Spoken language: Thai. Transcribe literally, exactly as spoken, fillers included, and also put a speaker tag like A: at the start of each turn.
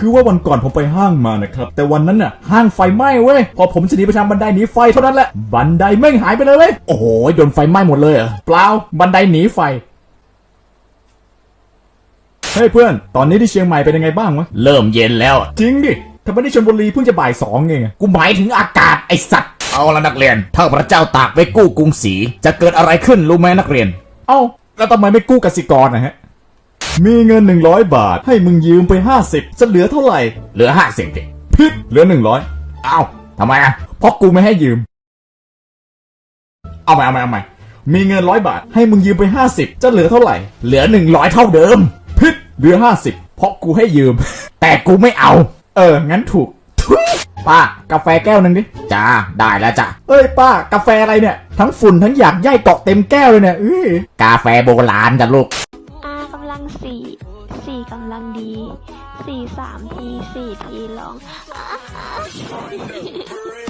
A: คือว่าวันก่อนผมไปห้างมานะครับแต่วันนั้นน่ะห้างไฟไหม้เว้ยพอผมจะหนีไปทางบันไดหนีไฟเท่านั้นแหละบันไดแม่งหายไปเลยเว้ยโอ้โหโดนไฟไหม้หมดเลยเหรอเปล่าบันไดหนีไฟเฮ้ยเพื่อนตอนนี้ที่เชียงใหม่เป็นยังไงบ้างวะเริ่มเย็นแล้วจริงดิทำไมที่ชลบุรีเพิ่งจะบ่ายสองเองกูหมายถึงอากาศไอสัตว์เอาละนักเรียนถ้าพระเจ้าตากไปกู้กรุงศรีจะเกิดอะไรขึ้นรู้ไหมนักเรียนเอ้าแล้วทำไมไม่กู้กสิกรนะฮะมีเงินหนึ่งร้อยบาทให้มึงยืมไปห้าสิบจะเหลือเท่าไหร่เหลือห้าสิบดิพิษเหลือหนึ่งร้อยเอ้าทำไมอ่ะเพราะกูไม่ให้ยืมเอาใหม่เอาใหม่เอาใหม่มีเงินร้อยบาทให้มึงยืมไปห้าสิบจะเหลือเท่าไหร่เหลือหนึ่งร้อยเท่าเดิมพิษเหลือห้าสิบเพราะกูให้ยืมแต่กูไม่เอาเอองั้นถูกป้ากาแฟแก้วนึงดิจ้าได้แล้วจ้ะเอ้ยป้ากาแฟอะไรเนี่ยทั้งฝุ่นทั้งหยากไย่เกาะเต็มแก้วเลยเนี่ยอื้อกาแฟโบราณจ้ะลูก
B: R กำลังสี่สี่กำลังดีสี่สามทีสี่ทีลอง